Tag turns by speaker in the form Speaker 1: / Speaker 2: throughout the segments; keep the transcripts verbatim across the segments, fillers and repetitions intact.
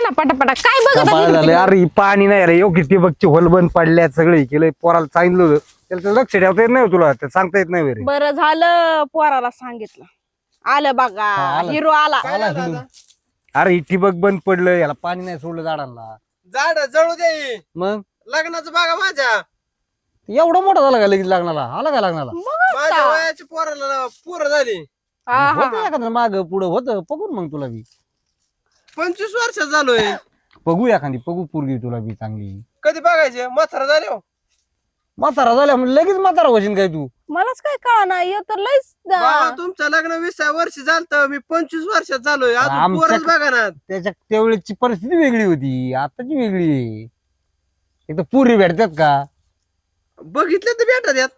Speaker 1: ना पटापटा. काय बघत
Speaker 2: कपाळ झालं अरे ही पाणी नाही रे योग्य ती बघची होल बंद पडल्या सगळे केलं पोराला सांगितलं होतं त्याला लक्ष ठेवता येत नाही तुला ते सांगता येत नाही रे.
Speaker 1: बरं झालं पोराला सांगितलं. आलं बघा
Speaker 2: आलं.
Speaker 1: हिरो आला.
Speaker 2: आला हिरो. अरे ही ठिबक बंद पडलं याला पाणी नाही सोडलं झाडांना.
Speaker 3: झाड जळू दे
Speaker 2: मग
Speaker 3: लग्नाचं बघा माझ्या
Speaker 2: एवढा मोठा झाला का लगेच लागणारा आला का लागणारा
Speaker 3: माझ्या वयाची पोराला पोरं झाली
Speaker 1: हा, हा,
Speaker 2: होतं एखादं माग पुढं होतं बघून मग तुला बी
Speaker 3: पंचवीस वर्षात झालोय
Speaker 2: बघू एखादी बघू पोरगी तुला बी चांगली.
Speaker 3: कधी बघायचे म्हातारा झाले हो.
Speaker 2: म्हातारा झाल्या म्हणजे लगेच म्हातारा होशील काय तू.
Speaker 1: मलाच काय कळा ना हे तर लयच
Speaker 3: बाबा, तुमचं लग्न वीसा वर्ष झालं मी पंचवीस वर्षात झालोय अजून
Speaker 2: आमच्या-
Speaker 3: पोरच बघा ना.
Speaker 2: त्याच्या त्यावेळेची परिस्थिती वेगळी होती आताची वेगळी आहे. एक तर पुरी भेटतात का
Speaker 3: बघितलं तर भेटत यात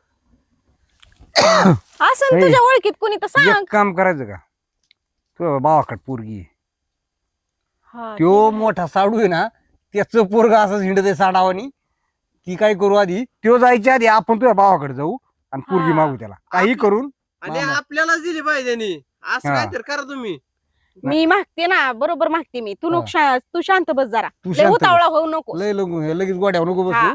Speaker 1: असं तुझ्या ओळखीत कोणी तर सांग.
Speaker 2: एक काम करायचं का तू भावाकड पोरगी आहे.
Speaker 1: हा,
Speaker 2: त्यो मोठा साडू आहे ना त्याच पोरग असं हिंडत आहे साडावानी ती काय करू आधी त्यो जायच्या आधी आपण तुझ्या भावाकडे जाऊ आणि पोरगी
Speaker 1: हा.
Speaker 2: मागू त्याला काही करून.
Speaker 3: आणि
Speaker 2: मामा.
Speaker 3: आपल्यालाच दिली पाहिजे नी. असं
Speaker 2: हा.
Speaker 3: काहीतरी करा तुम्ही.
Speaker 1: मी मागते ना बरोबर मागते मी. तू नको शा- तू शांत बस जरा.
Speaker 2: तू
Speaker 1: लय
Speaker 2: शांत बस.
Speaker 1: उतावळा होऊ नको.
Speaker 2: लय लगू लगेच गोड्यावर नको
Speaker 1: हा.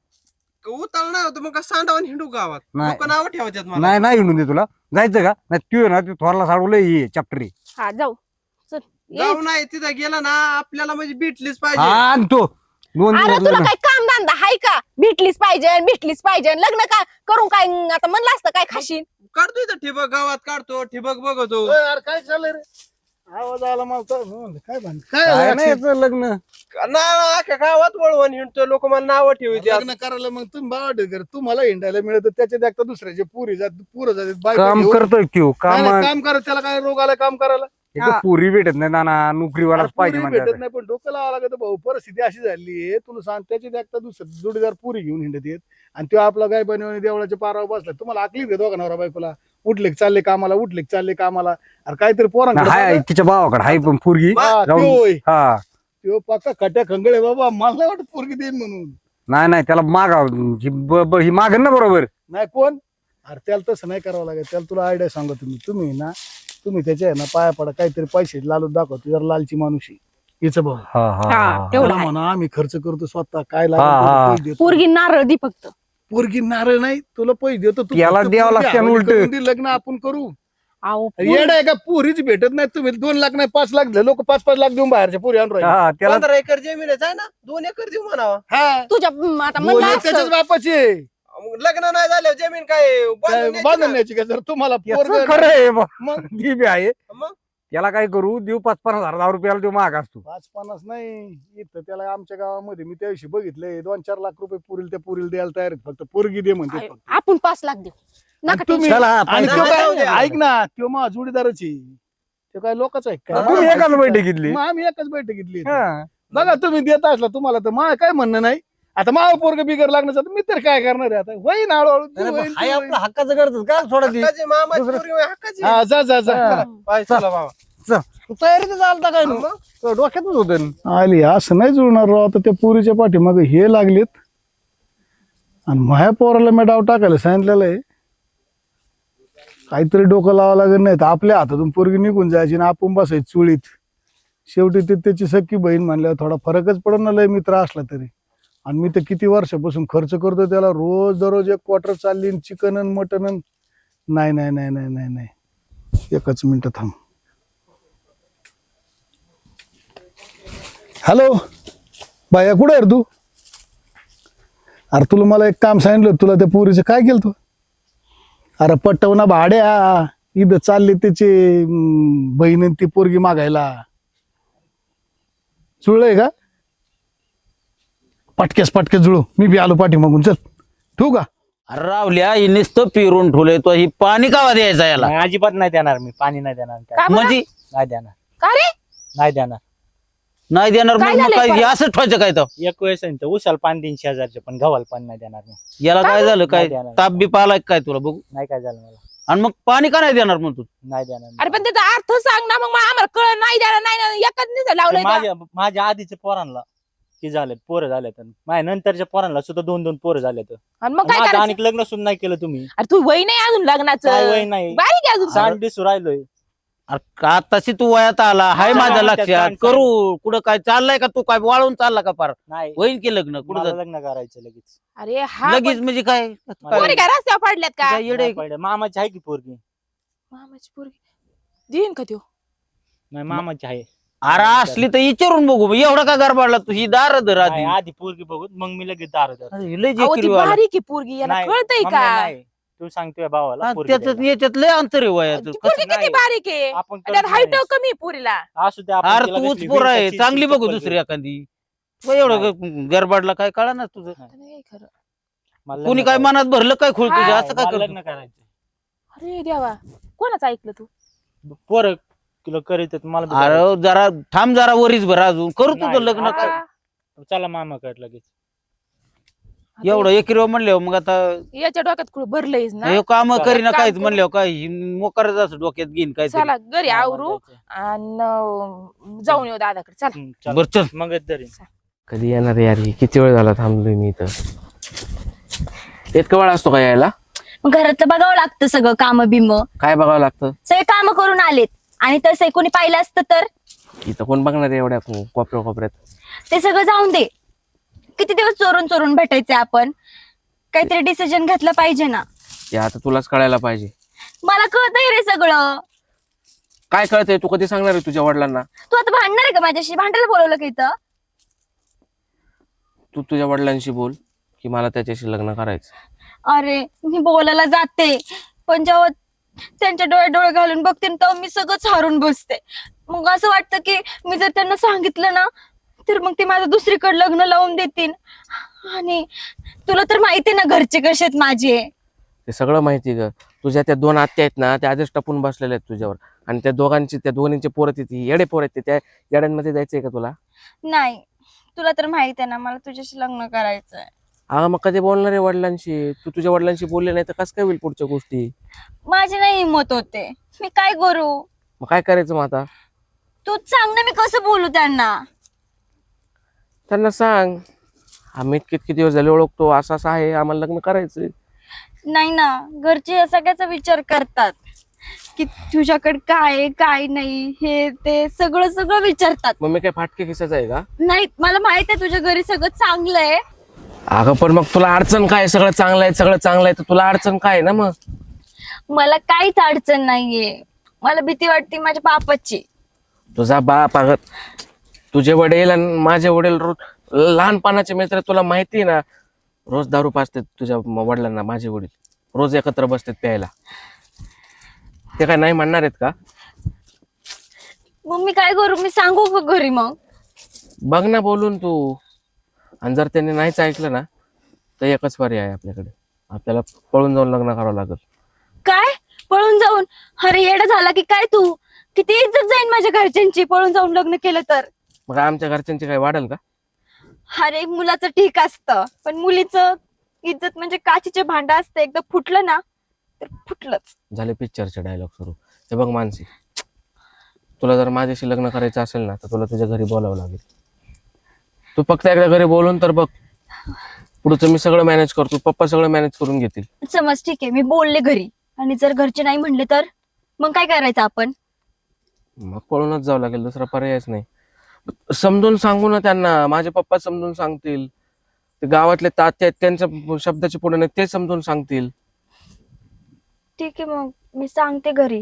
Speaker 2: बसू.
Speaker 3: उताळ नाही होतं मग का सांडावून हिंडू गावात
Speaker 2: नाही.
Speaker 3: लोक नाव ठेवायच्यात मला.
Speaker 2: नाही नाही हिंडून दे तुला जायचं का नाही तू आहे ना तू थोरला साडू लय ये चॅप्टरी
Speaker 1: हा जाऊ चल ये.
Speaker 3: जाऊ नाही तिथं गेला ना आपल्याला म्हणजे भेटलीच
Speaker 2: हा
Speaker 3: पाहिजे.
Speaker 2: आणि तो दोन
Speaker 1: अरे
Speaker 2: दिवस
Speaker 1: तुला
Speaker 2: लग्न.
Speaker 1: काय काम धंदा हाय का? भेटलीच पाहिजे भेटलीच पाहिजे लग्न का करून काय आता म्हणलं असतं काय खाशील.
Speaker 3: काढतो इथं ठिबक गावात काढतो ठिबक बघतो.
Speaker 4: यार काय चाललंय रे आवाज आला मला तर म्हणलं, काय भान काय
Speaker 2: काय
Speaker 4: झालं
Speaker 2: नाही
Speaker 4: अक्षय?
Speaker 2: याचं लग्न
Speaker 3: ना अख्ख्या गावात वळवून हिंडतो लोक मला नाव ठेवते.
Speaker 4: लग्न करायला मग तुम्ही बावड कर तुम्हाला हिंडायला मिळत त्याच्यात एकटा दुसऱ्याचे पुरी जात पुरं जातात बायको
Speaker 2: काम
Speaker 4: घेऊन.
Speaker 2: करतोय त्यो
Speaker 4: नाही,
Speaker 2: काम
Speaker 4: नाही, काम करा त्याला काय रोग आला काम करायला
Speaker 2: इथं पुरी भेटत नाही नाना नोकरीवालाच पाहिजे
Speaker 4: पुरी भेटत
Speaker 2: म्हणजे
Speaker 4: नाही पण डोकं लावा लागत भाऊ परिस्थिती अशी झाली आहे तुला सांग त्याच्यात एकटा दुसरं जोडीदार पुरी घेऊन हिंडत येत आणि तो आपला गाय बनवून देवळाच्या पारावर बसला तुम्हाला आकलीच घेतो का नवरा बायकोला उठले की चालले कामाला उठले की चालले कामाला अरे काहीतरी पोरांकडे
Speaker 2: हाय
Speaker 4: बघा.
Speaker 2: तिच्या भावाकडे हाय पण पोरगी
Speaker 4: हा,
Speaker 2: जाऊन-
Speaker 4: त्यो होय.
Speaker 2: हा
Speaker 4: त्यो पक्का खट्या खंगळे बाबा मला नाही वाटत पोरगी देईन म्हणून
Speaker 2: नाही नाही त्याला मागा ही ब- ब- ही मागन ना बरोबर
Speaker 4: नाही कोण अरे त्याला तसं नाही करावं लागेल त्याला तुला आयडिया सांगा तुम्ही तुम्ही ना तुम्ही त्याच्या आहे ना पाया पडा काहीतरी पैसे लालूच दाखव तुझ्या लालची माणूस आहे हिचं भाऊ
Speaker 2: हा हा,
Speaker 1: हा
Speaker 2: हा
Speaker 1: तेवढं
Speaker 4: त्याला
Speaker 1: आहे.
Speaker 4: म्हणा आम्ही खर्च करतो स्वतः काय
Speaker 2: हा, हा.
Speaker 4: लागेल पैसे देतो.
Speaker 1: पोरगी नारळ दी फक्त.
Speaker 4: पोरगी नारळ नाही तुला पैसे देतो तू
Speaker 2: याला
Speaker 4: फक्त
Speaker 2: द्यावं
Speaker 4: पोरगी
Speaker 2: लागतं आणि
Speaker 4: हवाली
Speaker 2: उलटं.
Speaker 4: करून दे, लग्न आपण करू
Speaker 1: अहो
Speaker 4: येड आहे का पोरीच भेटत नाही तुम्ही दोन लाख नाही पाच लाख लोक पाच पाच लाख देऊन बाहेरच्या पोरी आणून राहिले.
Speaker 2: हा त्याला
Speaker 3: पंधरा एकर जमीनच आहे ना दोन एकर देऊ म्हणावा.
Speaker 4: हा
Speaker 1: तुझ्या म, आता
Speaker 4: दोन
Speaker 1: म्हणलं
Speaker 4: त्याच्याच
Speaker 1: असं.
Speaker 4: बापाचे
Speaker 3: मग लग्न नाही झाल्यावर जमीन काय बांधून द्यायची
Speaker 4: बांधून
Speaker 3: का?
Speaker 4: न्यायची का जर तुम्हाला
Speaker 2: याचं
Speaker 4: पोरगं-
Speaker 2: खरं आहे बा.
Speaker 4: मग
Speaker 2: ती बी आहे
Speaker 3: मग
Speaker 2: त्याला काय करू देऊ पाच पन्नास हजार दहा रुपयाला देऊ महाग असतो.
Speaker 4: पाच पन्नास नाही इथं त्याला आमच्या गावामध्ये मी त्या दिवशी बघितलंय दोन चार लाख रुपये पुरील त्या पुरील द्यायला तयार आहेत फक्त पोरगी दे म्हणते
Speaker 1: अरे,
Speaker 4: फक्त.
Speaker 1: आपण पाच लाख देऊ
Speaker 4: आणि
Speaker 1: नका
Speaker 4: तुम्ही-
Speaker 1: tension.
Speaker 2: चला,
Speaker 4: आणि
Speaker 2: पाहिजे.
Speaker 4: तो
Speaker 3: जाऊ
Speaker 4: काय
Speaker 3: द्या.
Speaker 4: ऐक ना तो मा जोडीदाराची तो काय लोकांचा आहे का
Speaker 2: तुम्ही एकाच बैठकीतली
Speaker 4: मग आम्ही एकाच बैठकीतली
Speaker 2: हा.
Speaker 4: बघा तुम्ही देत असला तुम्हाला तर मा काय म्हणणं नाही आता मा पोरग बिगर लागण्याचं तर मी तर काय करणार आहे आता होईन हळूहळू ती
Speaker 2: अरे
Speaker 4: होईन,
Speaker 2: पण हाय
Speaker 4: ती
Speaker 2: आपलं
Speaker 4: होईन.
Speaker 2: हक्काचं करतो का सोडा ती
Speaker 3: हक्काची मामाची
Speaker 2: दुसरं-
Speaker 3: पोरगी होय, हक्काची.
Speaker 4: हा जा जा जा
Speaker 2: हा.
Speaker 3: पाय चला बाबा.
Speaker 2: तयारी तर चालता काय ना
Speaker 3: मग?
Speaker 2: तो डोक्यातच होत
Speaker 4: आली असं नाही जुळणार राव आता त्या पुरीच्या पाठीमागे हे लागलेत आणि माझ्या पोराला मी डाव टाकायला सांगितलेलं आहे काहीतरी डोकं लावावं लागेल नाही तर आपल्या हातातून पोरगी निघून जायची ना आपण बसायची चुळीत शेवटी ती त्याची सख्खी बहीण म्हणल्यावर थोडा फरकच पडत ना लय मित्र असला तरी आणि मी तर किती वर्षापासून खर्च करतो त्याला रोज दररोज एक क्वार्टर चालली चिकन आणि मटन नाही नाही नाही नाही नाही नाही एकच मिनिट थांब हॅलो बाया कुठे आहे रे तू अरे तुला मला एक काम सांगितलं होतं, तुला त्या पोरीचं काय केलं तू अरे पटवना भाड्या इथं चालले त्याचे अं, बहीण आणि ती पोरगी मागायला जुळलंय का पटकेस पटकेस जुळू मी बी आलो पाठी मागून चल ठेवू का
Speaker 5: अरे रावल्या ही नुसतं पिरून ठेवलंय तो ही पाणी कावा द्यायचा याला
Speaker 6: नाही, अजिबात नाही देणार मी पाणी नाही देणार काय
Speaker 1: का बरं?
Speaker 5: म्हणजे
Speaker 6: नाही देणार
Speaker 1: का रे
Speaker 6: नाही देणार
Speaker 5: नाही देणार
Speaker 1: काय
Speaker 5: मग मग
Speaker 1: झालंय
Speaker 5: काय
Speaker 1: परत?
Speaker 5: हे असं ठेवायचं काय तो
Speaker 6: एक वेळेस आहे ना, तर उसाल पाणी तीन शेजारचे पण गव्हाला पाणी नाही देणार मी
Speaker 5: याला काय झालं काय
Speaker 6: नाही देणार.
Speaker 5: ताप बी पाला काय तुला बघू
Speaker 6: नाही काय झालं मला
Speaker 5: आणि मग पाणी का नाही देणार मग तू
Speaker 6: नाही देणार मी.
Speaker 1: अरे पण त्याचा अर्थ सांग ना मग मला आम्हाला कळ नाही द्यायला नाही ना एकच नाही लावलंय
Speaker 6: तर
Speaker 1: का?
Speaker 6: माझ्या माझ्या आधीच्या पोरांना की झालेत पोरं झालेत माझ्या नंतरच्या पोरांना सुद्धा दोन दोन पोरं झालेत
Speaker 1: आणि मग काय
Speaker 6: माझं
Speaker 1: करायचं
Speaker 6: आणि लग्न सुद्धा नाही केलं तुम्ही
Speaker 1: अरे तू वय नाही अजून
Speaker 6: काय
Speaker 1: लग्नाचं
Speaker 6: वय नाही
Speaker 1: बारीक आहे अजून
Speaker 6: सांड दिसू राहिलोय
Speaker 5: अरे आताशी तू वयात आला हाय
Speaker 6: हा,
Speaker 5: माझ्या
Speaker 6: हा,
Speaker 5: लक्षात
Speaker 6: त्यात
Speaker 5: करू कुठं काय चाललंय का तू काय वाळून चालला का पार
Speaker 6: नाही
Speaker 5: होईल की लग्न कुठं
Speaker 6: मला
Speaker 5: जात-
Speaker 6: लग्न करायचं लगेच
Speaker 1: अरे हा
Speaker 5: लगेच म्हणजे काय
Speaker 6: मला-
Speaker 1: पोरी काय रस्त्यावर पडल्यात का
Speaker 5: काय येडे
Speaker 6: नाही पडलं. मामाची आहे की पोरगी
Speaker 1: मामाची पोरगी देईन का त्यो
Speaker 6: नाही मामाची आहे
Speaker 5: अरे असली तर विचारून बघू एवढा का गरबाडला तू ही दार धर आधी
Speaker 6: नाही, आधी पोरगी बघू मग मी लगेच दार धरतो.
Speaker 5: अरे, लय
Speaker 1: अहो ती
Speaker 5: जेकिरी वाला.
Speaker 1: बारीक आहे पोरगी याला
Speaker 6: नाही,
Speaker 1: कळतंय
Speaker 6: मम्मी,
Speaker 1: का
Speaker 6: नाही. तू सांगतोय भावाला
Speaker 5: हा,
Speaker 6: पोरगी
Speaker 5: त्याच्यात
Speaker 6: द्यायला.
Speaker 5: याच्यात लय अंतर आहे वयाचं
Speaker 1: ती पोरगी
Speaker 6: नाही.
Speaker 1: किती बारीक आहे
Speaker 6: आपण
Speaker 1: त्यात
Speaker 6: करत
Speaker 1: हाईट
Speaker 6: नाही.
Speaker 1: कमी आहे पोरीला
Speaker 6: असू दे आपण
Speaker 5: अरे
Speaker 6: तिला
Speaker 5: तूच
Speaker 6: कसली
Speaker 5: पोर आहे
Speaker 6: विंटाची
Speaker 5: चांगली बघू
Speaker 6: चप्पल
Speaker 5: दुसरी
Speaker 6: घेऊ.
Speaker 5: एखादी मग एवढं गरबाडला काय कळा ना तुझं
Speaker 1: नाही खरं.
Speaker 6: मला
Speaker 5: कोणी
Speaker 6: लग्न
Speaker 5: काय
Speaker 6: करायचं.
Speaker 5: मनात भरलं काय खोल तुझ्या
Speaker 1: हा,
Speaker 5: असं काय
Speaker 6: मला
Speaker 5: करतो
Speaker 6: लग्न करायचं
Speaker 1: अरे देवा कोणाचं ऐकलं तू
Speaker 6: पोर तुला करीत मला बी
Speaker 5: अरे
Speaker 6: करायचं.
Speaker 5: जरा थांब जरा वरीच भर अजून करू तुझं
Speaker 6: नाही,
Speaker 5: लग्न
Speaker 6: आता-
Speaker 5: कर
Speaker 1: हा,
Speaker 6: चला मामाकडे लगेच
Speaker 1: आता
Speaker 5: एवढं एक किलो म्हणल्यावर मग आता
Speaker 1: याच्या डोक्यात कुठं भरलंयच ना
Speaker 5: हे काम
Speaker 6: चला,
Speaker 5: करीना
Speaker 1: काम
Speaker 5: काहीच
Speaker 1: करू.
Speaker 5: म्हणल्यावर काय ही मोकारच असं डोक्यात घेईन काय
Speaker 1: चला घरी
Speaker 6: मामाला
Speaker 1: आवरू
Speaker 6: जायचं.
Speaker 1: आणि जाऊन येऊ दादाकडे चला
Speaker 6: हम्म, चला.
Speaker 5: बर चल
Speaker 6: मग तरी
Speaker 7: कधी येणार यार ही किती वेळ झाला थांबलोय मी इथं इतकं वेळ असतो का यायला
Speaker 8: मग घरातलं बघावं लागतं सगळं काम बिम
Speaker 7: काय बघावं लागतं
Speaker 8: सगळे काम करून आलेत आणि तसं कोणी पाहिलं असतं तर
Speaker 7: इथं कोण बघणार आहे एवढ्या कोपऱ्या कोपऱ्यात
Speaker 8: ते सगळं जाऊन दे किती दिवस चोरून चोरून भेटायचे आपण काहीतरी डिसिजन घेतलं पाहिजे ना
Speaker 7: ते आता तुलाच कळायला पाहिजे
Speaker 8: मला कळतंय रे सगळं
Speaker 7: काय कळतंय तू कधी सांगणार आहे तुझ्या वडिलांना
Speaker 8: तू आता भांडणार आहे का माझ्याशी भांडायला बोलवलं का इथं
Speaker 7: तू तुझ्या वडिलांशी बोल की मला त्याच्याशी लग्न करायचं
Speaker 8: अरे मी बोलायला जाते पण जेव्हा त्यांच्या डोळे डोळे घालून बघते ना, तेव्हा मी सगळंच हारून बसते मग असं वाटतं की मी जर त्यांना सांगितलं ना तर मग ते माझं दुसरीकडे लग्न लावून देतील आणि तुला तर माहिती आहे ना घरचे कसे आहेत माझे
Speaker 7: ते सगळं माहिती ग तुझ्या त्या दोन आत्या आहेत ना त्या आधीच टपून बसलेल्या आहेत तुझ्यावर आणि त्या दोघांची त्या दोन्हींचे पोरं तिथे येडे पोर आहेत ते त्या येड्यांमध्ये जायचंय का तुला
Speaker 8: नाही तुला तर माहित आहे ना मला तुझ्याशी लग्न करायचंय
Speaker 7: हा मग कधी बोलणार आहे वडिलांशी तू तुझ्या वडिलांशी बोलले नाही तर कसं काय होईल पुढच्या गोष्टी
Speaker 8: माझी नाही हिंमत होते मी काय करू
Speaker 7: मग काय करायचं मग आता
Speaker 8: तूच सांग ना मी कसं बोलू त्यांना
Speaker 7: त्यांना सांग आम्ही इतके इतके दिवस झाले ओळखतो असं असं आहे आम्हाला लग्न करायचंय
Speaker 8: नाही ना घरचे या सगळ्याचा विचार करतात की तुझ्याकडे काय आहे, काय नाही हे ते सगळं सगळं विचारतात
Speaker 7: मग मी काय फाटके खिसायचं आहे का
Speaker 8: नाही मला माहित आहे तुझ्या घरी सगळं चांगलं आहे
Speaker 7: अगं पण मग तुला अडचण काय सगळं चांगलं आहे सगळं चांगलं आहे तर तुला अडचण काय आहे ना मग
Speaker 8: मला काहीच अडचण नाहीये मला भीती वाटते माझ्या बापाची
Speaker 7: तुझा बाप अगं तुझे वडील आणि माझे वडील रोज लहानपणाचे मित्र तुला माहिती आहे ना रोज दारू पाजतात तुझ्या वडिलांना माझे वडील रोज एकत्र बसतात प्यायला ते काय नाही म्हणणार आहेत का
Speaker 8: मग मी काय करू मी सांगू का घरी मग
Speaker 7: बघ ना बोलून तू आणि जर त्यांनी नाहीच ऐकलं ना तर एकच पर्याय आहे आपल्याकडे आपल्याला पळून जाऊन लग्न करावं लागेल
Speaker 8: काय पळून जाऊन अरे येडा झाला की काय तू किती इज्जत जाईन माझ्या घरच्यांची पळून जाऊन लग्न केलं तर
Speaker 7: मग आमच्या घरच्यांची काय वाढेल का
Speaker 8: अरे मुलाचं ठीक असतं पण मुलीचं इज्जत म्हणजे काचीचे भांड असतं एकदा फुटलं ना तर फुटलंच
Speaker 7: झाले पिक्चरचे डायलॉग सुरू हे बघ मानसी तुला जर माझ्याशी लग्न करायचं असेल ना तर तुला तुझ्या घरी बोलावं लागेल तू फक्त एकदा घरी बोलून तर बघ पुढचं मी सगळं मॅनेज करतो पप्पा सगळं मॅनेज करून घेतील
Speaker 8: समज ठीक आहे मी बोलले घरी आणि जर घरचे नाही म्हणले तर मग काय करायचं आपण
Speaker 7: मग पळूनच जावं लागेल दुसरा पर्यायच नाही समजून सांगू ना त्यांना माझे पप्पा समजून सांगतील ते गावातले तात्या आहेत त्यांच्या शब्दाचे पुढे नाही ते समजून सांगतील
Speaker 8: ठीक आहे मग मी सांगते घरी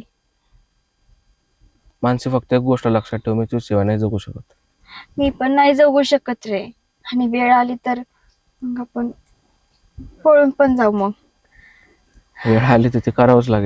Speaker 7: मानसी फक्त एक गोष्ट लक्षात ठेव मी तुझ्याशिवाय नाही जगू शकत
Speaker 8: मी पण नाही जगू शकत रे आणि वेळ आली तर मग आपण पळून पण जाऊ मग
Speaker 7: वेळ आली तर ते करावंच लागेल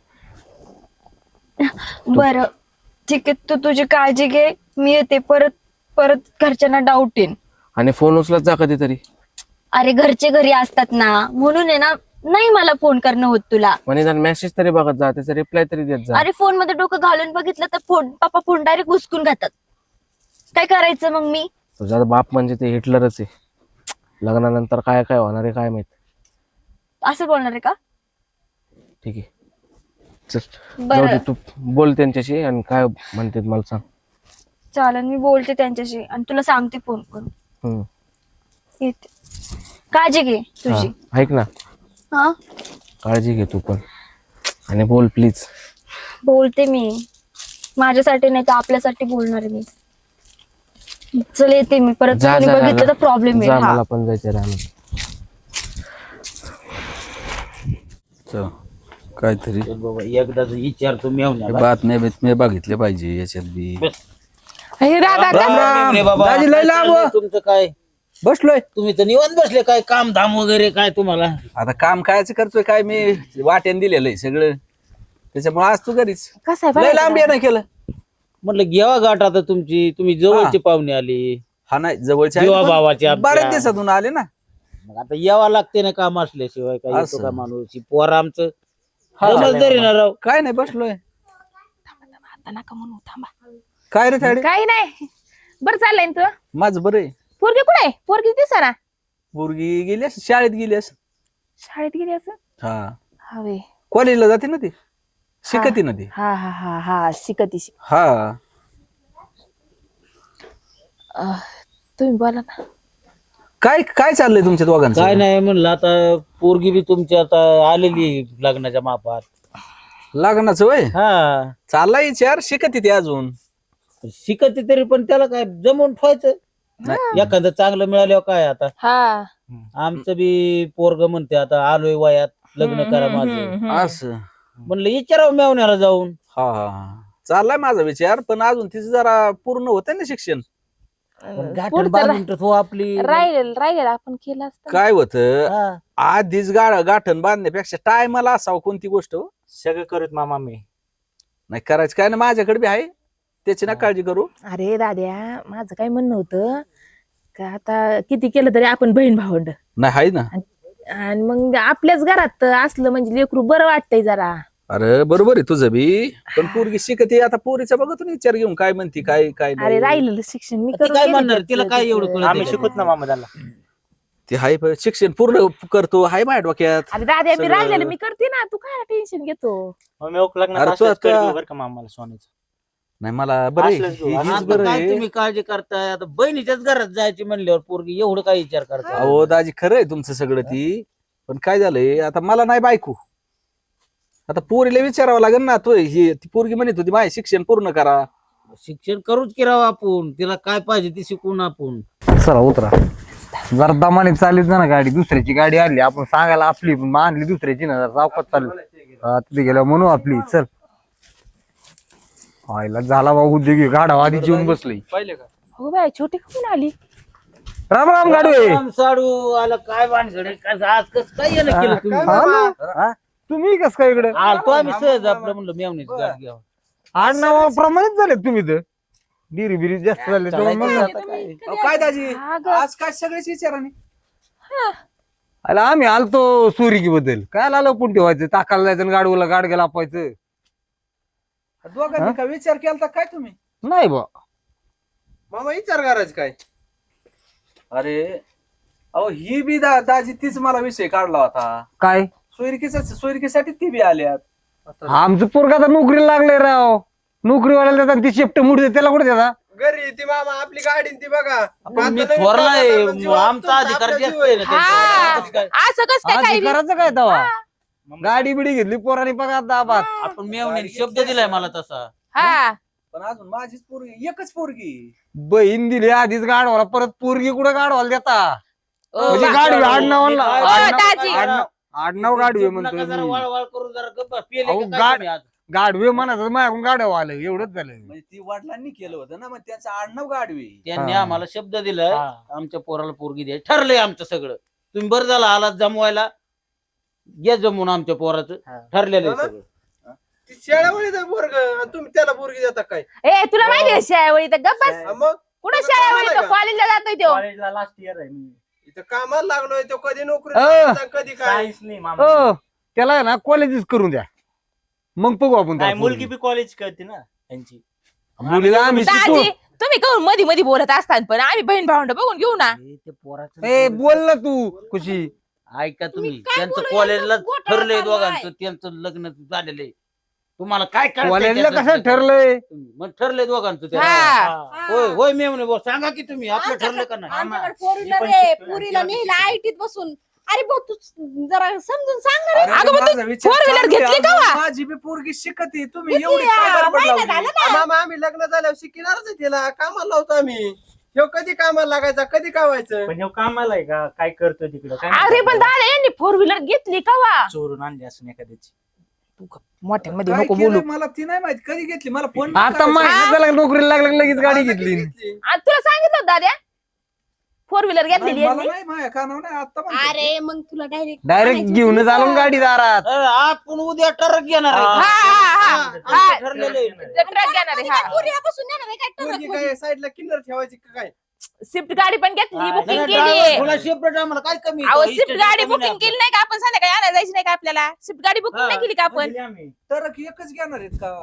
Speaker 8: बरं ठीक आहे तू तुझी काळजी घे मी येते परत परत घरच्यांना डाऊट येईन
Speaker 7: आणि फोन उचलत जा कधीतरी
Speaker 8: अरे घरचे घरी असतात ना म्हणून आहे ना नाही मला फोन करणं होत तुला
Speaker 7: म्हणजे जर मेसेज तरी बघत जा त्याचा रिप्लाय तरी देत जा
Speaker 8: अरे फोन मध्ये डोकं घालून बघितलं तर फोन पप्पा फोन डायरेक्ट घुसकून घातात काय करायचं मग मी
Speaker 7: तुझा बाप म्हणजे ते हिटलरच आहे लग्नानंतर काय काय होणार आहे काय माहित
Speaker 8: असं बोलणार आहे का
Speaker 7: ठीक आहे चल जाऊ
Speaker 8: बरं
Speaker 7: दे तू बोल त्यांच्याशी आणि काय म्हणते मला सांग
Speaker 8: चालेल मी बोलते त्यांच्याशी आणि तुला सांगते फोन करून
Speaker 7: हम्म.
Speaker 8: येते काळजी घे तुझी
Speaker 7: हा, ऐक ना
Speaker 8: हा
Speaker 7: काळजी घे तू पण आणि बोल प्लीज
Speaker 8: बोलते मी माझ्यासाठी नाही तर आपल्यासाठी बोलणार आहे मी. चल येते मी परत.
Speaker 7: जा,
Speaker 8: कोणी
Speaker 7: जा,
Speaker 8: बघितलं
Speaker 7: जा.
Speaker 8: तर प्रॉब्लेम
Speaker 7: जा,
Speaker 8: आहे. हा.
Speaker 7: मला पण जायचं राहणार.
Speaker 5: चल, काहीतरी
Speaker 6: बाबा एकदाच विचारतो मेवण्याला.
Speaker 5: बातम्या बितम्या बघितल्या पाहिजे याच्यात बी.
Speaker 1: हे दादा
Speaker 6: राम
Speaker 1: कसं-
Speaker 6: राम मेवणे बाबा.
Speaker 2: दाजी लय
Speaker 6: काय
Speaker 2: लांब.
Speaker 6: चाललंय तुमचं काय?
Speaker 2: बसलोय
Speaker 6: तुम्ही तर निवांत बसले, काय काम धाम वगैरे काय तुम्हाला?
Speaker 5: आता काम कायच करतोय काय मी वाट्यान दिलेलं आहे सगळं, त्याच्यामुळे आज तू घरीच
Speaker 1: कसं आहे
Speaker 5: लय
Speaker 1: बघायचं
Speaker 5: लांब
Speaker 1: दादा?
Speaker 5: येणं केलं.
Speaker 6: म्हटलं घ्यावा गाठ आता तुमची, तुम्ही जवळची पाहुणे आली.
Speaker 5: हा नाही जवळच्या
Speaker 6: जीवा
Speaker 5: आहेत, पण
Speaker 6: भावाची आमच्या.
Speaker 5: बऱ्याच दिवसातून आले ना.
Speaker 6: मग आता यावं लागते ना काम असल्याशिवाय काय येतो
Speaker 5: असं.
Speaker 6: का माणूस? ही पोरं आमचं समजदारी ना राव.
Speaker 5: काय नाही बसलोय.
Speaker 1: आता नका म्हणू, थांबा.
Speaker 5: काय रे थाडी
Speaker 1: काही नाही, बरं चाललंय ना तुझं?
Speaker 5: माझं बरं आहे.
Speaker 1: पोरगी कुठे आहे? पोरगी दिसा ना.
Speaker 5: पोरगी गेली असेल, शाळेत गेली असेल.
Speaker 1: शाळेत गेली असं
Speaker 5: हा
Speaker 1: हवे.
Speaker 5: कॉलेजला जाते ना ती, शिकती ना ती.
Speaker 1: हा हा हा हा शिकती शिक.
Speaker 5: हा
Speaker 1: अह, तुम्ही बोला ना.
Speaker 5: काय काय चाललंय तुमच्या दोघांचं?
Speaker 6: काय नाही म्हणलं आता पोरगी बी तुमची आता आलेली लग्नाच्या मापात.
Speaker 5: लग्नाचं वय
Speaker 6: हा
Speaker 5: चाललाय विचार, शिकती ती अजून.
Speaker 6: शिकत तरी पण त्याला काय जमवून ठेवायचं. एखादं चांगलं मिळाल्यावर काय आता.
Speaker 1: हा
Speaker 6: आमचं बी पोरग म्हणते आता आलोय वयात लग्न करा माझं.
Speaker 1: हम्म.
Speaker 5: असं
Speaker 6: म्हणलं विचारावं मेवण्याला जाऊन.
Speaker 5: हा हा हा चाललाय माझा विचार, पण अजून तिचं जरा पूर्ण होतंय ना शिक्षण.
Speaker 6: गाठण
Speaker 1: पुढचं
Speaker 6: बांधून तर हो आपली.
Speaker 1: राहिलेलं राहिलेलं आपण केलं असतं.
Speaker 5: काय होतं
Speaker 6: हा.
Speaker 5: आधीच गाड गाठण बांधण्यापेक्षा टायमाला असावं कोणती गोष्ट हो.
Speaker 6: सगळं करत मामा मी.
Speaker 5: नाही करायचं काय ना, माझ्याकडे बी आहे, त्याची ना काळजी करू.
Speaker 1: अरे दाद्या, माझं काय म्हणणं होतं का आता किती केलं तरी आपण बहीण भावंड,
Speaker 5: नाही आहे ना.
Speaker 1: आणि मग आपल्याच घरात असलं म्हणजे लेकरू बरं वाटतंय जरा.
Speaker 5: अरे बरोबर आहे तुझं बी, पण पोरगी शिकते आता, पोरीचा बघतो ना विचार घेऊन काय म्हणती काय काय
Speaker 1: अरे
Speaker 5: नाही.
Speaker 1: राहिलेलं शिक्षण मी
Speaker 6: ती
Speaker 1: करून
Speaker 6: काय
Speaker 1: गेले
Speaker 6: म्हणणार,
Speaker 1: त्याचं-
Speaker 6: तिला काय एवढं
Speaker 1: त्याचं.
Speaker 6: कळत
Speaker 9: आम्ही
Speaker 6: नाही.
Speaker 9: शिकूत ना मामा त्याला.
Speaker 5: ते हाय प- शिक्षण पूर्ण करतो, हाय माझ्या डोक्यात.
Speaker 1: अरे दाद्या मी
Speaker 5: सगळं-
Speaker 1: राहिलेलं मी करते ना, तू काय टेन्शन घेतो?
Speaker 9: मग मी ओक लग्नात
Speaker 5: अरे तू
Speaker 9: असलंच
Speaker 5: आता-
Speaker 9: करीत बरं का मामाला सोन्याचं.
Speaker 5: नाही मला बरं आहे.
Speaker 9: असलंच घेऊ,
Speaker 5: हे- हेच
Speaker 6: आता
Speaker 5: बरं
Speaker 6: काय
Speaker 5: आहे.
Speaker 6: तुम्ही काळजी करताय? आता बहिणीच्याच घरात जायची म्हणल्यावर पोरगी एवढं काय विचार करताय?
Speaker 5: अहो दाजी खरं आहे तुमचं सगळं ती, पण काय झालंय आता मला नाही बायको. आता पोरीला विचारावं लागेल ना, तो ही ती पोरगी म्हणत होती माझे शिक्षण पूर्ण करा.
Speaker 6: शिक्षण करूच की राव आपण, तिला काय पाहिजे ती शिकून आपण.
Speaker 2: चला उतरा. जरा दमाने चाललीच ना गाडी, दुसऱ्याची गाडी आणली आपण सांगायला आपली, पण आणली दुसऱ्याची ना, जरा चौकात चालली. हा, तिथे गेल्या म्हणू आपली. चल आईला झाला बाबा उद्योगी, गाडा आधी जेवून बसली.
Speaker 1: हो बाय, छोटी कोण आली?
Speaker 2: राम राम गाडवे.
Speaker 6: राम साडू आला काय भानगडे, काय आज कसं काय येणं केलं तुम्ही?
Speaker 2: हा ना? हा? तुम्ही कस काय इकडे
Speaker 6: आलतो आम्ही सहज आपलं म्हणलं मेवणीची गाडी घ्यावं.
Speaker 2: आडनावाप्रमाणेच झाले तुम्ही तर, डिरी बिरी जास्त झाले तर
Speaker 6: चालायचं
Speaker 2: म्हणलं.
Speaker 6: आता काय.
Speaker 5: अहो, काय दाजी
Speaker 1: हा ग.
Speaker 5: आज काय सगळेच विचाराने.
Speaker 2: आला आम्ही आलतो सुरिकी बद्दल, काय आलं पुंटी व्हायचं, टाकायला जायचं आणि गाडीला गाडग्या लापायचं.
Speaker 3: दोघांनी काय विचार केला काय तुम्ही?
Speaker 2: नाही बा.
Speaker 3: मामा विचार करायचं काय?
Speaker 5: अरे अहो ही बी दा दाजी तीच मला विषय काढला होता.
Speaker 2: काय
Speaker 5: सोयरिकीचा सोयरिकीसाठी ती बी आल्यात.
Speaker 2: आमचं पोरगा तर नोकरीला लागले राव, नोकरीवाल्याला देतात ती शेपट मुडी त्याला कुठे देतात?
Speaker 3: घरी ती मामा आपली गाडी न ती बघा.
Speaker 6: आपण मी
Speaker 3: आता नवीन
Speaker 6: थोरला आहे,
Speaker 3: कामाला जीव
Speaker 6: आमचा
Speaker 3: आपला
Speaker 6: अधिकार
Speaker 3: जीव
Speaker 6: जास्त आहे ना
Speaker 3: आहे.
Speaker 1: हा.
Speaker 6: त्यांच्यावर. काय?
Speaker 1: असं कस काय
Speaker 2: आज
Speaker 1: काय
Speaker 2: करायचं काय तवा? गाडी बिडी घेतली पोराने बघा दाबात.
Speaker 6: आपण मेवणीने शब्द दिलाय मला तसा.
Speaker 1: हा
Speaker 5: पण अजून माझीच पोरगी एकच पोरगी.
Speaker 2: बहीण दिली आधीच गाडवाला, परत पोरगी कुठे गाडवाला देता?
Speaker 1: ओ,
Speaker 2: म्हणजे
Speaker 1: बा-
Speaker 2: गाडवी आडनावाला
Speaker 6: ओ,
Speaker 2: आडनाव-
Speaker 1: दाजी.
Speaker 2: आडनाव- आडनाव गाडवे
Speaker 6: नका
Speaker 2: म्हणतो
Speaker 6: जरा
Speaker 2: मी.
Speaker 6: वळवळ करून जरा गप्पा पेले
Speaker 2: अहो,
Speaker 6: का काय
Speaker 2: गाड-
Speaker 6: तुम्ही आज?
Speaker 2: गाडवे म्हणायचं माझ्याकडून गाडव आलं, एवढंच झालं.
Speaker 5: म्हणजे ती वडिलांनी केलं होतं ना, मग त्याचं आडनाव गाडवे.
Speaker 6: त्यांनी
Speaker 2: हा.
Speaker 6: आम्हाला शब्द दिलाय,
Speaker 9: हा.
Speaker 6: आमच्या पोराला पोरगी द्यायची ठरलंय आमचं सगळं. तुम्ही बरं झाला आलात जमवायला, घ्या जमून आमच्या पोराचं.
Speaker 9: हा.
Speaker 6: ठरलेलं
Speaker 3: हो ना?
Speaker 6: आहे सगळं.
Speaker 3: ती शेळावळीचा पोरग आणि तुम्ही त्याला पोरगी देता काय?
Speaker 1: ए तुला माहिती आहे शाळेवळी तर गप्पस.
Speaker 3: हा मग
Speaker 1: कुठं
Speaker 3: तुला
Speaker 1: शाळेवळी
Speaker 3: कामाला
Speaker 1: तो
Speaker 3: का?
Speaker 1: कॉलेजला जातोय तो.
Speaker 9: कॉलेजला लास्ट इयर आहे मी.
Speaker 3: इथं कामाला लागलोय तो, कधी नोकरी
Speaker 2: अ.
Speaker 3: करता, कधी काय.
Speaker 9: सायन्स नाही मामा.
Speaker 2: हो त्याला आहे ना कॉलेजच करून द्या, मग बघू आपण
Speaker 9: नाही
Speaker 2: त्याला
Speaker 9: मुलगी
Speaker 2: पोरगी.
Speaker 9: बी कॉलेज करते ना त्यांची.
Speaker 2: मुलीला आम्ही शिकू.
Speaker 1: दाजी तुम्ही कहून मध्ये मध्ये बोलत असतात, पण आम्ही बहीण भावंड बघून घेऊ ना.
Speaker 6: हे ते पोराचं
Speaker 2: ए बोल ना तू खुशी.
Speaker 6: ऐका तुम्ही,
Speaker 1: काय
Speaker 6: त्यांचं
Speaker 1: बोलू
Speaker 6: कॉलेजला
Speaker 1: यांचं घोटाळा
Speaker 6: ठरलंय
Speaker 1: चालू आहे.
Speaker 6: दोघांचं, त्यांचं लग्न झालेलं आहे. तुम्हाला काय कळतंय
Speaker 2: कॉलेजला
Speaker 6: त्याच्यातलं?
Speaker 2: कसं ठरलंय?
Speaker 6: मग ठरलंय दोघांचं ते.
Speaker 1: हा.
Speaker 9: हा.
Speaker 6: होय होय मेवणे बोल, सांगा की तुम्ही आपलं ठरलं का नाही?
Speaker 1: आमच्याकडे
Speaker 9: मी
Speaker 1: फोर व्हीलर
Speaker 9: पण
Speaker 1: आहे,
Speaker 9: शिकतोय ना,
Speaker 1: पुरीला
Speaker 9: तिला
Speaker 1: नेला आयटीत बसून अरे भाऊ तू जरा समजून सांग ना रे.
Speaker 5: अरे,
Speaker 1: अगं मग
Speaker 5: माझा
Speaker 1: तू
Speaker 5: विचार
Speaker 1: फोर व्हीलर
Speaker 5: चांगला आहे.
Speaker 1: घेतली का वा?
Speaker 5: माझी बी पोरगी शिकते तुम्ही
Speaker 1: घेतली,
Speaker 5: एवढी काय
Speaker 1: आ,
Speaker 5: गडबड
Speaker 1: महिना
Speaker 5: लावली?
Speaker 1: झाला
Speaker 3: आ,
Speaker 1: ना.
Speaker 3: मामा आम्ही लग्न झाल्यावर शिकणारच आहे तिला कामाला लावतो आम्ही. ह्यो कधी कामाला लागायचा कधी कावायचं.
Speaker 9: पण ह्यो कामाला आहे का काय करतो तिकडं काय
Speaker 1: अरे पण दादा यांनी फोर व्हीलर घेतली का वा?
Speaker 9: चोरून आणली असून एखाद्याची.
Speaker 1: मोठ्यांमध्ये
Speaker 5: काय
Speaker 1: नको
Speaker 5: केलंय
Speaker 1: बोलू.
Speaker 5: मला ती नाही माहित कधी घेतली मला फोन
Speaker 2: आता माहिती झालं नोकरीला लागलं की लगेच गाडी
Speaker 3: आता
Speaker 2: घेतली
Speaker 3: घेतली.
Speaker 1: आणि तुला सांगितलं होतं दादा फोर व्हीलर घेतलेली
Speaker 5: मला
Speaker 1: यांनी?
Speaker 5: नाही माझ्या कानावर नाही आता म्हणते.
Speaker 1: अरे मग तुला डायरेक्ट
Speaker 2: डायरेक्ट घेऊन आलो गाडी दारात.
Speaker 6: अरे, आपण उद्या ट्रक घेणार आहे.
Speaker 1: हा हा हा हा
Speaker 6: आमचं ठरलेलं आहे.
Speaker 1: ट्रक घेणार आहे हा.
Speaker 8: पुण्यापासून येणार आहे काय
Speaker 3: पोरगी
Speaker 8: ट्रक
Speaker 3: काय साईडला किन्नर ठेवायची का काय.
Speaker 1: स्विफ्ट गाडी पण घेतली
Speaker 9: हा,
Speaker 1: बुकिंग
Speaker 6: जरा
Speaker 1: केली
Speaker 6: driver थोडा separate आम्हाला काय कमी
Speaker 1: अहो
Speaker 6: आहे?
Speaker 1: स्विफ्ट
Speaker 6: इष्ट
Speaker 1: गाडी
Speaker 6: कमी नाही
Speaker 1: बुकिंग केली नाही का आपण संध्याकाळी आणायला जायची नाही का आपल्याला स्विफ्ट गाडी बुकिंग नाही केली का आपण
Speaker 9: दिली आम्ही.
Speaker 5: तर एकच घेणार आहेत का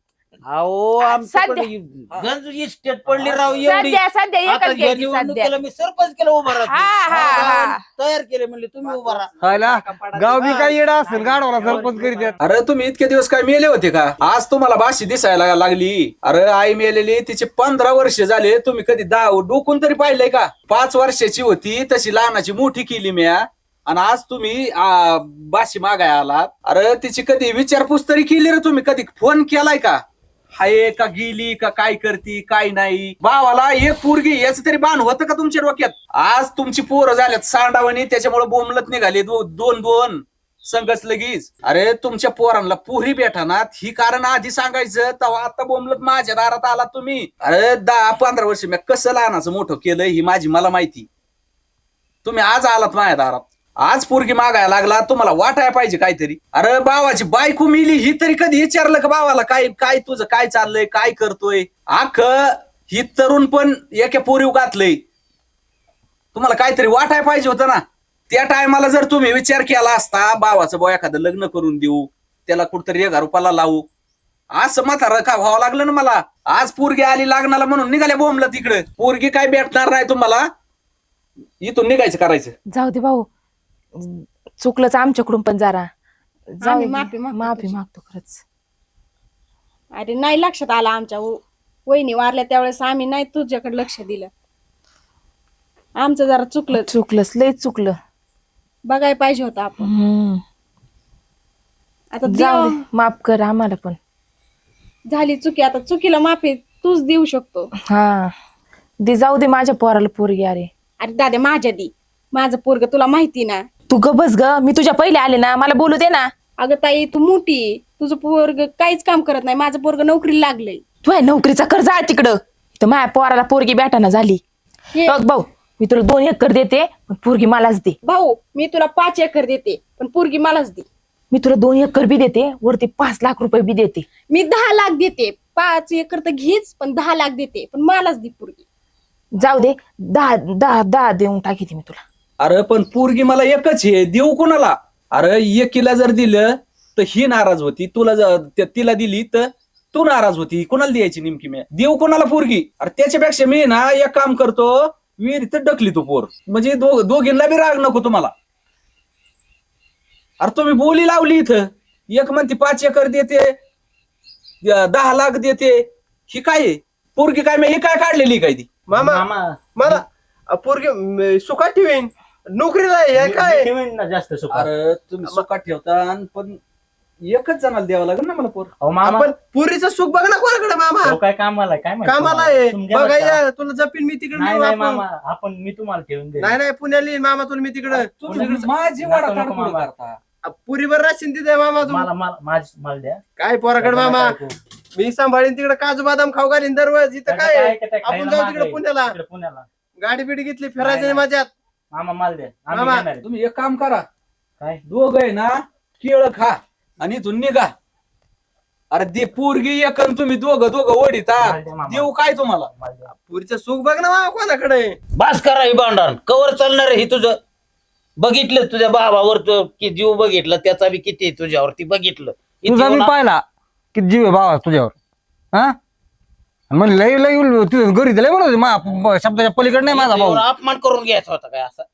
Speaker 6: अहो आमच्याकडे गंज इस्टेट पडली राव एवढी.
Speaker 1: सध्या सध्या
Speaker 6: आता
Speaker 1: एकच
Speaker 6: या
Speaker 1: घ्यायची सध्या
Speaker 6: निवडणुकीला मी सरपंच केलं उभा
Speaker 1: हा, हा, हा.
Speaker 6: राहतो तयार केले म्हणले तुम्ही उभा राहा.
Speaker 2: खायला गाव बी काही येडा असेल गाडवाला सरपंच करीत आहेत.
Speaker 5: अरे तुम्ही इतके दिवस काय मेले होते का आज तुम्हाला बाशी दिसायला लागली. अरे आई मेलेली तिचे पंधरा वर्ष झाले तुम्ही कधी दा डोकून तरी पाहिलंय का. पाच वर्षाची होती तशी लहानाची मोठी केली म्या आणि आज तुम्ही आ, बाशी मागाय आलात. अरे तिची कधी विचारपूस तरी केली रे तुम्ही कधी फोन केलाय का हाय का गेली का काय करती काय नाही. भावाला एक पोरगी याच तरी बाण होतं का तुमच्या डोक्यात. आज तुमची पोरं झाल्यात सांडावणी त्याच्यामुळे बोंबलत निघाले दो- दोन दोन संघच लगीच. अरे तुमच्या पोरांना पुरी भेटानात ही कारण आधी सांगायचं तेव्हा आता बोंबलत माझ्या दारात आला तुम्ही. अरे दहा पंधरा वर्ष मी कसं लहानाचं मोठं केलं ही माझी मला माहिती. तुम्ही आज आलात माझ्या दारात आज पोरगी मागायला लागला तुम्हाला वाटायला पाहिजे काहीतरी. अरे बावाची बायको मिली ही तरी कधी विचारलं का बावाला काय काय तुझं काय चाललंय काय करतोय. आख ही तरुण पण एका पोरीव घातलंय तुम्हाला काहीतरी वाटायला पाहिजे होतं ना. त्या टायमाला जर तुम्ही विचार केला असता बावाचं बो एखादं लग्न करून देऊ त्याला कुठतरी एका रुपयाला लावू असं म्हातारं का व्हावं लागलं ना मला. आज पोरगी आली लग्नाला म्हणून निघाल्या बोंबलं तिकडे. पोरगी काय भेटणार नाही तुम्हाला इथून निघायचं करायचं.
Speaker 1: जाऊ दे भाऊ चुकलंच आमच्याकडून पण जरा जाऊ
Speaker 8: आम्ही
Speaker 1: दे.
Speaker 8: माफी मागतो
Speaker 1: माफी
Speaker 8: तुझी.
Speaker 1: मागतो खरंच.
Speaker 8: अरे नाही लक्षात आला आमच्या व- वहिनी वारल्या त्यावेळेस आम्ही नाही तुझ्याकडे लक्ष दिलं. आमचं जरा चुकलं
Speaker 1: चुकलंच लय चुकलं.
Speaker 8: बघायला पाहिजे होतं आपण.
Speaker 1: हम्म.
Speaker 8: आता
Speaker 1: जाऊ
Speaker 8: देव
Speaker 1: दे माफ कर आम्हाला पण.
Speaker 8: झाली चुकी आता चुकीला माफी तूच देऊ शकतो.
Speaker 1: हा दे जाऊ दे माझ्या पोराला पोरगी. अरे
Speaker 8: अरे दादा माझ्या दी माझं पोरग तुला माहिती ना.
Speaker 1: तू ग बस ग मी तुझ्या पहिले आले ना मला बोलू दे ना.
Speaker 8: अगं ताई तू मोठी आहे. तुझं पोरग काहीच काम करत नाही. माझं पोरग नोकरीला लागलंय.
Speaker 1: तू आहे नोकरीचा कर्ज आहे तिकडं तर माझ्या पोराला पोरगी भेटाना झाली.
Speaker 8: हे
Speaker 1: बघ भाऊ मी तुला दोन एकर देते पण पोरगी मलाच दे.
Speaker 8: भाऊ मी तुला पाच एकर देते पण पोरगी मलाच दे.
Speaker 1: मी तुला दोन एकर बी देते वरती पाच लाख रुपये बी देते.
Speaker 8: मी दहा लाख देते. पाच एकर तर घेच पण दहा लाख देते पण मलाच दे पोरगी.
Speaker 1: जाऊ दे दहा दहा दहा देऊन टाकीते मी तुला.
Speaker 5: अरे पण पोरगी मला एकच आहे देऊ कोणाला. अरे एकीला जर दिलं तर ही नाराज होती तुला जर त्या- तिला दिली तर तू नाराज होती. कोणाला द्यायची नेमकी मी देऊ कोणाला पोरगी. अरे त्याच्यापेक्षा मी ना एक काम करतो विहिरीत ढकली तू पोर म्हणजे दो- दोघींना बी राग नको तुम्हाला. अरे तुम्ही बोली लावली इथं एक म्हणते पाच एकर देते द- दहा लाख देते ही काय आहे? पोरगी काय मी ही काय काढलेली काय ती.
Speaker 3: मामा
Speaker 9: मामा
Speaker 3: मला अ, पोरगी म, सुखात ठेवीन नोकरीला आहे, हे काय.
Speaker 9: ठेवीन ना जास्त सुख.
Speaker 5: अरे तुम्ही सुखात ठेवता आणि पण एकच जणाला द्यावं लागेल ना मला पोर.
Speaker 9: अहो मामा
Speaker 3: आपण पुरीचं सुख बघ ना कोणाकडे मामा
Speaker 9: तो काय कामाला आहे, काय माहिती
Speaker 3: कामाला
Speaker 9: तुम्हाला?
Speaker 3: आहे
Speaker 9: तुम्ही द्या बरं का?
Speaker 3: बघायला तुला जपीन मी तिकडे
Speaker 9: नाही
Speaker 3: नेऊ
Speaker 9: नाही
Speaker 3: आपण.
Speaker 9: मामा आपण मी तुम्हाला ठेवून दे.
Speaker 3: नाही नाही पुण्याला येईन मामा तुला मी तिकडे
Speaker 5: तुम्ही माझी वाडा
Speaker 9: नको, नको,
Speaker 5: काढून
Speaker 9: मामा.
Speaker 5: करता.
Speaker 3: पुरीवर राशीन तिथे मामा तू
Speaker 9: मला मला माझ मला द्या.
Speaker 3: काय पोराकडे मामा मी सांभाळीन तिकडे काजू बदाम खाऊ घालीन दररोज. इथं काय आहे? आपण जाऊ तिकडे पुण्याला
Speaker 9: तिकडे पुण्याला
Speaker 3: गाडी बिडी घेतली फिरायचं
Speaker 9: नाही,
Speaker 3: नाही माझ्यात.
Speaker 9: मामा माल द्या आम्ही
Speaker 3: मामा,
Speaker 9: घेणार आहे.
Speaker 5: तुम्ही एक काम करा
Speaker 9: काय
Speaker 5: दोघ आहे ना केळ खा आणि इथून निघा. अरे दे पोरगी एक आणि तुम्ही दोघं दोघं ओढीता
Speaker 9: माल द्या, मामा.
Speaker 5: देऊ काय तुम्हाला.
Speaker 9: माल द्या.
Speaker 3: पुरीचं सुख बघ ना मामा कोणाकडे.
Speaker 6: बास करा ही भांडण कवर चालणार आहे ही तुझं. बघितलं तुझ्या भावावर तो की जीव बघितलं त्याचा बी किती आहे तुझ्यावरती बघितलं. इथे
Speaker 2: तुझा मी
Speaker 6: येऊन
Speaker 2: पाहिला किती जीव आहे भावा तुझ्यावर. हा म्हण लय लय तुझं घरी लय म्हणत होती, मा- शब्दाच्या पलीकडे नाही माझा
Speaker 6: इथे
Speaker 2: भाऊ.
Speaker 6: येऊन अपमान करून घ्यायचा होता काय असा.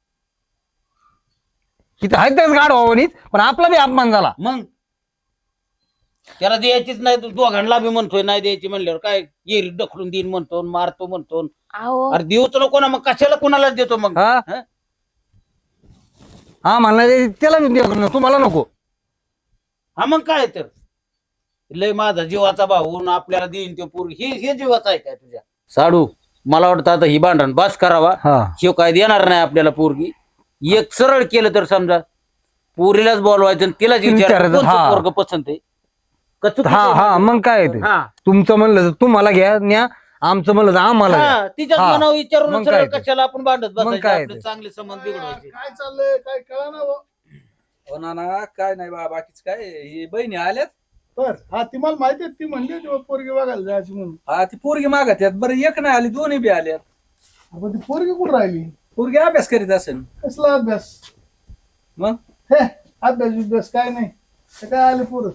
Speaker 2: किती आहेत त्याच गाड भावानीच पण आपला बी अपमान झाला.
Speaker 6: मग त्याला द्यायचीच नाही तू दोघांना बी म्हणतोय नाही द्यायची म्हणल्यावर काय येरी ढकलून देईन म्हणतो मारतो म्हणतो.
Speaker 1: अहो
Speaker 6: अरे देऊच नको ना मग कशाला कुणाला देतो मग.
Speaker 2: हा
Speaker 6: हा?
Speaker 2: हा म्हणला त्याला बी द्या, तुम्हाला नको.
Speaker 6: हा मग काय तर लय माझा जीवाचा भाऊ न आपल्याला देईन तो पोरगी हे हे जीवाचा आहे काय तुझ्या साडू. मला वाटतं आता ही भांडण बस करावा.
Speaker 2: हा
Speaker 6: शिव काय देणार नाही आपल्याला पोरगी. एक सरळ केलं तर समजा पोरीलाच बोलवायचं आणि तिलाच
Speaker 2: विचारायचं,
Speaker 6: विचारायचं
Speaker 2: हा.
Speaker 6: पोरग पसंत आहे का चुकीचं
Speaker 2: हा
Speaker 6: आहे?
Speaker 2: हा मग काय ते
Speaker 6: हा.
Speaker 2: तुमचं म्हणलं तर तुम्हाला घ्या न्या, आमचं म्हणलं तर आम्हाला घ्या.
Speaker 6: हा, तिच्याच
Speaker 2: हा.
Speaker 6: मनावर विचारून
Speaker 2: मग
Speaker 6: सरळ
Speaker 2: काय ते?
Speaker 6: कशाला आपण भांडत
Speaker 2: मग
Speaker 6: बसायचं
Speaker 2: काय
Speaker 6: आपले
Speaker 2: ते?
Speaker 6: चांगले संबंध बिघडवायचे.
Speaker 4: काय चाललंय काय कळा ना
Speaker 5: हो ना ना काय नाही बा बाकीच काय ही बहिणी आल्यात.
Speaker 4: बर हा ती मला माहिती आहे, ती म्हणली होती बा पोरगी बघायला जायची म्हणून.
Speaker 5: हा ती पोरगी मागत आहेत. बरं एक नाही आली दोन्ही बी आल्यात.
Speaker 4: आपण ती पोरगी कुठं राहिली?
Speaker 5: पोरगी अभ्यास करीत असेल.
Speaker 4: कसला अभ्यास?
Speaker 5: मग
Speaker 4: हे अभ्यास बिभ्यास काय नाही, ते काय आले पोरं.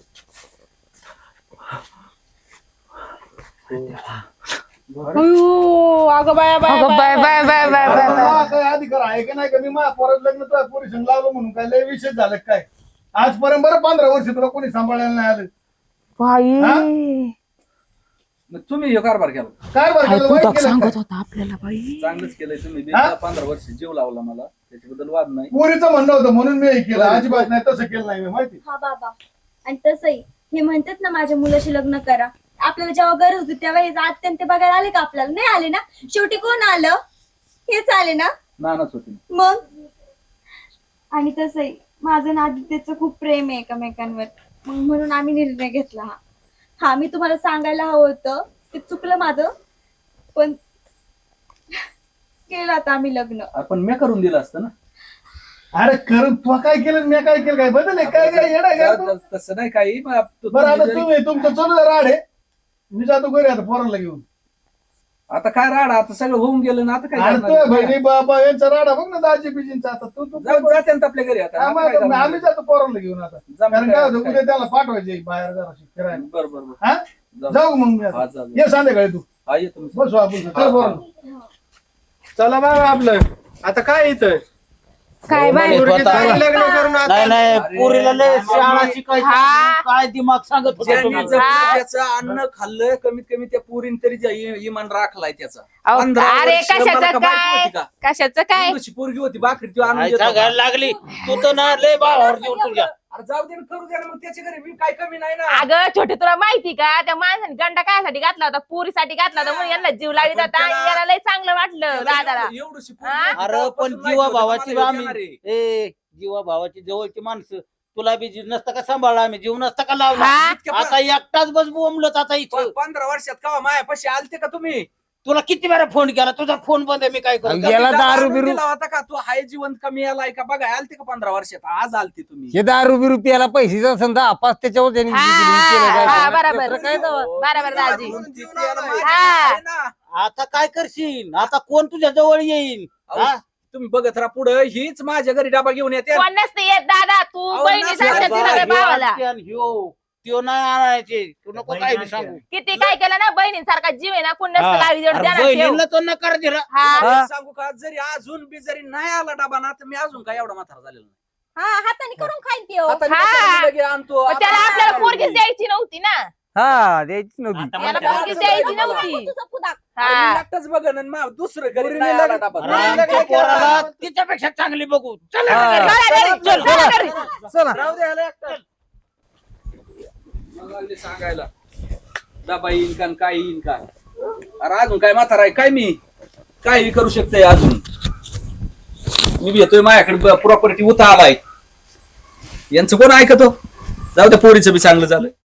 Speaker 1: अयो, अगं बाया बाया बाया बाया बाया बाया बाया बाया.
Speaker 4: मला काय अधिकार आहे का नाही का? मी माझ्या पोराचं लग्न तुझ्या पोरी संग लावलं म्हणून काय लय विशेष झालं का काय? आजपर्यंत बरं पंधरा वर्ष तुला कोणी सांभाळायला नाही आलं.
Speaker 1: बाई
Speaker 5: मग तुम्ही हे कारभार केला.
Speaker 4: काय बरं केलं, वाईट केलं काय?
Speaker 1: होता आपल्याला बाई.
Speaker 5: चांगलंच केलंय तुम्ही बी.
Speaker 4: हा?
Speaker 5: पंधरा वर्ष जीव लावला मला त्याच्याबद्दल वाद नाही.
Speaker 4: पोरीचं म्हणणं होतं म्हणून मी हे केलं, अजिबात नाही तसं केलं नाही मी, माहिती.
Speaker 8: हा बाबा. आणि तसंही हे म्हणतात ना माझ्या मुलाशी लग्न करा. आपल्याला जेव्हा गरज होती तेव्हा हे अत्यंत ते बघायला आले का? आपल्याला नाही आले ना. शेवटी कोण आलं? हेच आले ना
Speaker 5: नानाच होती.
Speaker 8: मग. आणि तसंही माझं ना आदित्यचं खूप प्रेम आहे एकमेकांवर, मग म्हणून आम्ही निर्णय घेतला. हा हा मी तुम्हाला सांगायला हवं होतं, ते चुकलं माझं, पण केलं आता आम्ही लग्न.
Speaker 5: आपण मी करून दिलं असतं ना.
Speaker 4: अरे करून तू काय केलं मी काय केलं? काय बदल आहे? काय काय येडा काय तू?
Speaker 5: तसं नाही काही. मग आप-
Speaker 4: बरं आता
Speaker 5: तुम्ही
Speaker 4: तुम्ही तुमचं चालू द्या राड आहे, मी जातो घरी आता पोराला घेऊन.
Speaker 5: जरी- आता काय राडा आता सगळं होऊन गेलं ना. आता काय
Speaker 4: अरे
Speaker 5: करणार?
Speaker 4: तू बहिणी बाबा यांचा राडा बघ ना, दाजी बिजींचा. आता तू तू
Speaker 5: जाऊ- जाते ना आपल्या घरी आता.
Speaker 4: हा,
Speaker 5: आता
Speaker 4: मग
Speaker 5: काय
Speaker 4: आता
Speaker 5: करणार?
Speaker 4: आम्ही जातो पोराला घेऊन आता.
Speaker 5: जमलं
Speaker 4: कारण
Speaker 5: काय
Speaker 4: काय
Speaker 5: आता
Speaker 4: होतं,
Speaker 5: काय?
Speaker 4: उद्या त्याला पाठवायचे बाहेर जराशी फिरायला.
Speaker 5: बरं बरं बरं.
Speaker 4: हा
Speaker 5: जाऊ.
Speaker 4: जाऊ मग मी
Speaker 5: हा,
Speaker 4: आता.
Speaker 5: जा, जा.
Speaker 4: ये संध्याकाळी तू
Speaker 5: हा ये तुम्ही.
Speaker 4: बसू आपण चल पोराला.
Speaker 3: चला बाबा आपलं आता काय इथं
Speaker 1: काय बाई
Speaker 3: पोरगी चांगली लग्न करून आता
Speaker 6: नाही नाही
Speaker 5: अरे,
Speaker 6: पोरीला लय शाळा
Speaker 5: अरे,
Speaker 6: शिकायची.
Speaker 1: हा.
Speaker 6: काय दिमाग सांगत होता
Speaker 5: ज्यांनी
Speaker 6: तुम्हाला.
Speaker 5: जपलं त्याचं अन्न खाल्लं कमीत कमी त्या पुरीन तरी ज्या इ- इमान राखलाय त्याचा.
Speaker 1: अहो,
Speaker 5: पंधरा
Speaker 1: अरे
Speaker 5: वर्ष मला
Speaker 1: कशाचं
Speaker 5: का बायको
Speaker 1: काय
Speaker 5: होती का?
Speaker 1: कशाचं काय
Speaker 5: एवढीशी पोरगी होती भाकरी ती आणून
Speaker 6: काय
Speaker 5: देत होता.
Speaker 6: सांगायला लागली तू तर ना लय भावावर जीव तुझ्या.
Speaker 5: अरे जाऊ दे ना, करू दे ना मग त्याच्या घरी. मी काय कमी नाही ना.
Speaker 1: अगं छोटे तुला माहिती का त्या माणसाने गंडा कायसाठी घातला होता? पुरीसाठी घातला होता म्हणून यांना जीव लावित होता आणि याला लय चांगलं वाटलं दादाला.
Speaker 5: एवढीशी
Speaker 1: हा?
Speaker 5: पोरगी
Speaker 6: अरे
Speaker 5: तेव्हापासून
Speaker 6: पण
Speaker 5: माहिती
Speaker 6: जीवा
Speaker 5: होतं
Speaker 6: भावाची
Speaker 5: मला
Speaker 6: आम्ही
Speaker 5: येणार आहे.
Speaker 6: ए जीवा भावाची जवळची माणसं तुला बी जीव नसता का सांभाळला आम्ही जीव नसता का लावला.
Speaker 1: हा?
Speaker 5: इतक्या
Speaker 6: आता एकटाच बस बोंबलत आता इथं.
Speaker 5: प- पंधरा वर्षात का मायापाशी आलते का तुम्ही?
Speaker 6: तुला किती वेळा फोन केला तुझा फोन बंद आहे मी काय करू.
Speaker 2: अरे, याला दारू
Speaker 5: आणून
Speaker 2: बिरू
Speaker 5: दिला होता का तू? हाय जिवंत कमी आलाय का बघा. आलते का पंधरा वर्षात? आज आलते तुम्ही.
Speaker 2: हे दारू बिरू प्यायला पैसे असेल दहा पाच त्याच्यावर त्यांनी
Speaker 1: हा,
Speaker 2: केलं काय
Speaker 1: हा,
Speaker 2: ते.
Speaker 1: बरोबर.
Speaker 2: दुसरं काय तेव्हा?
Speaker 1: बरोबर दाजी.
Speaker 5: म्हणून ती प्यायला माहिती
Speaker 1: हा.
Speaker 5: आहे ना.
Speaker 6: आता काय करशील? आता कोण तुझ्या जवळ येईल?
Speaker 5: अहो,
Speaker 6: हा?
Speaker 5: तुम्ही बघत राहा पुढे. हीच माझ्या घरी डबा घेऊन येते.
Speaker 1: कोण नसते येत दादा तू
Speaker 5: अहो,
Speaker 1: बहिणी
Speaker 5: नसते.
Speaker 1: सांगते
Speaker 6: बाबा,
Speaker 1: तुझ्या
Speaker 6: ह्यो
Speaker 1: भावाला
Speaker 6: आणते आणि ह्यो त्यो नाही आणायचे. तू नको काय बी सांगू.
Speaker 1: किती काय केलं ना बहिणींसारखा जीव आहे ना कोण नसतं
Speaker 6: हा.
Speaker 1: लावी जोड
Speaker 6: अरे
Speaker 1: द्या ना ठेव.
Speaker 6: बहिणीला तो नकार दिला.
Speaker 1: हा
Speaker 5: अरे सांगू का, जरी अजून बी जरी नाही आला डबा ना तर मी अजून काय एवढा म्हातारा झालेला नाही.
Speaker 1: हा हाताने करून खाईन त्यो.
Speaker 5: आता मी
Speaker 1: हा.
Speaker 5: कशाला लगे आणतो.
Speaker 1: पण त्याला
Speaker 5: आता
Speaker 1: आपल्याला
Speaker 5: काय
Speaker 1: पोरगीच
Speaker 5: बोलली?
Speaker 1: द्यायची नव्हती ना.
Speaker 2: हा द्यायची नव्हती.
Speaker 9: आता
Speaker 1: याला
Speaker 9: म्हणते,
Speaker 1: पोरगीच
Speaker 5: आता
Speaker 1: द्यायची
Speaker 5: मला-
Speaker 1: नव्हती.
Speaker 8: तुझा पुदाक.
Speaker 5: अरे मी
Speaker 1: हा.
Speaker 5: एकटाच बघन आणि मा- दुसरं घरी
Speaker 3: पोरीने
Speaker 5: नाही आला
Speaker 3: लगे-
Speaker 5: डबा.
Speaker 6: अरे
Speaker 3: हा.
Speaker 6: आमच्या पोराला तिच्यापेक्षा चांगली बघू. चल
Speaker 2: हा.
Speaker 1: चला घरी,
Speaker 6: चल,
Speaker 1: चला घरी.
Speaker 2: चला
Speaker 5: राहू दे ह्याला एकटा. मला लागले सांगायला डबा येईन का आणि काय येईन का. अरे अजून काय म्हातारा आहे काय मी काही करू शकतोय अजून. मी बी येतोय माझ्याकडे प्रॉपर्टी उता आलाय. यांचं कोण ऐकतो. जाऊ द्या पोरीचं बी चांगलं झालं.